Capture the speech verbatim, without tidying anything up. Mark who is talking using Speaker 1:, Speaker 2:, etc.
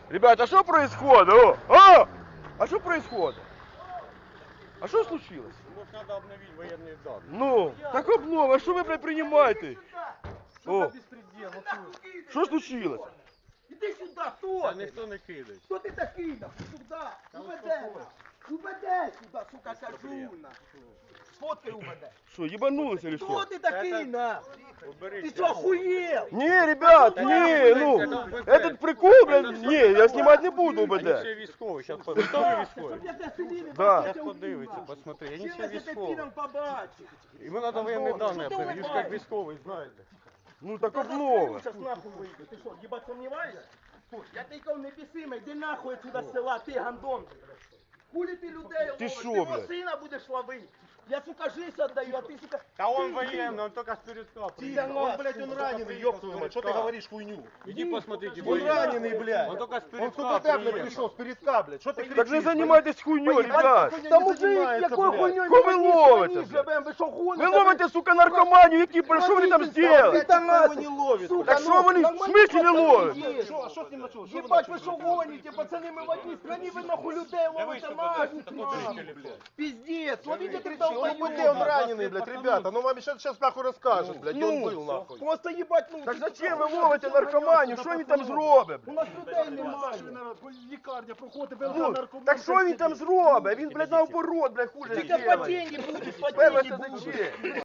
Speaker 1: Ребята, что происходит? О! А! А что происходит? А что случилось?
Speaker 2: Может, надо обновить военные данные.
Speaker 1: Ну, так обнова, а что вы предпринимаете? О,
Speaker 3: Беспредел, вот тут.
Speaker 1: что случилось?
Speaker 3: Іди сюди, хто
Speaker 2: Та
Speaker 3: ти?
Speaker 2: ніхто не кидає.
Speaker 3: Хто ти такий? нахуй? Сюди. Уведе. Уведе сюди, сука, кажу. нахуй. Сфоткай уведе.
Speaker 1: Что, ебанулись или
Speaker 3: Хто
Speaker 1: что?
Speaker 3: ти такий, на? Ти
Speaker 2: Уберіть.
Speaker 3: що, охуєв?
Speaker 1: Не, ребят, не, ну, этот прикол, блядь, не, я снимать не буду,
Speaker 2: Вони
Speaker 1: блядь.
Speaker 2: ще військові, зараз готові військові.
Speaker 3: Щоб я тебе сидів і
Speaker 1: Да.
Speaker 3: бачив,
Speaker 2: Зараз
Speaker 3: я
Speaker 2: подивиться,
Speaker 3: убив.
Speaker 2: посмотри, вони
Speaker 3: Чим
Speaker 2: ще
Speaker 3: я тебе
Speaker 2: військові.
Speaker 3: підом побачив?
Speaker 2: Йому треба воєнні дані
Speaker 3: Що ти
Speaker 2: обновити, він ж як
Speaker 3: улыбаєшся?
Speaker 2: військовий, знаєте.
Speaker 1: Ну так
Speaker 3: Я
Speaker 1: обнова.
Speaker 3: зараз нахуй вийду. Ти що, їбать сумніваєшся? Я тільки не бісиме, йди нахуй отсюда з села, ти гандон. Хулі ти людей ловиш,
Speaker 1: шо,
Speaker 3: ти мого
Speaker 1: блядь?
Speaker 3: сина будеш ловити. Я, сука, жизнь отдаю, а ты, сука...
Speaker 2: Та он
Speaker 3: ты,
Speaker 2: военный, он только с передка
Speaker 3: Тихо,
Speaker 2: приехал.
Speaker 3: он, блядь,
Speaker 4: Он раненый, ёб твою мать, что ты говоришь хуйню?
Speaker 2: Иди посмотрите,
Speaker 4: Он
Speaker 2: военный.
Speaker 4: раненый, блядь.
Speaker 2: Он только с
Speaker 4: Он
Speaker 2: передка
Speaker 4: сука так, блядь,
Speaker 2: приехал.
Speaker 4: пришел, с передка, блядь. Что ты кричишь?
Speaker 1: Так не занимайтесь хуйней, ребят.
Speaker 3: Та мужик, якою хуйньою
Speaker 1: Кого ви ловите, блядь?
Speaker 3: живем, ви що гоните?
Speaker 1: Ви ловите, сука, наркоманію, які, що вони там зробили?
Speaker 3: Та
Speaker 4: Его не ловит.
Speaker 3: Сука,
Speaker 1: Так
Speaker 3: ну,
Speaker 1: що вони в
Speaker 3: нормально
Speaker 1: смислі не ловять?
Speaker 3: є.
Speaker 4: Что, что с ним началось? Что вы
Speaker 3: Єбать, ви
Speaker 4: начали,
Speaker 3: що
Speaker 4: блядь?
Speaker 3: гоните, пацани, ми в одній страні, ви нахуй людей ловите нафіг, нахуй. Пиздец, ловите ты
Speaker 4: Он БД, он раненый, блядь, ребята. Ну вам сейчас, сейчас нахуй расскажет, блядь, где он был, нахуй.
Speaker 3: Просто їбать, ну...
Speaker 1: Так зачем ви ловите наркоманію? Що він там зробить?
Speaker 3: У нас людей немає.
Speaker 4: Лікарня проходить, ви
Speaker 1: Ну, так що він там зробить? Він, блядь, наоборот, блядь, хуже
Speaker 3: Тільки
Speaker 1: зробить.
Speaker 3: по деньги будеш, по
Speaker 1: Перше,
Speaker 3: деньги будеш.
Speaker 1: зачем?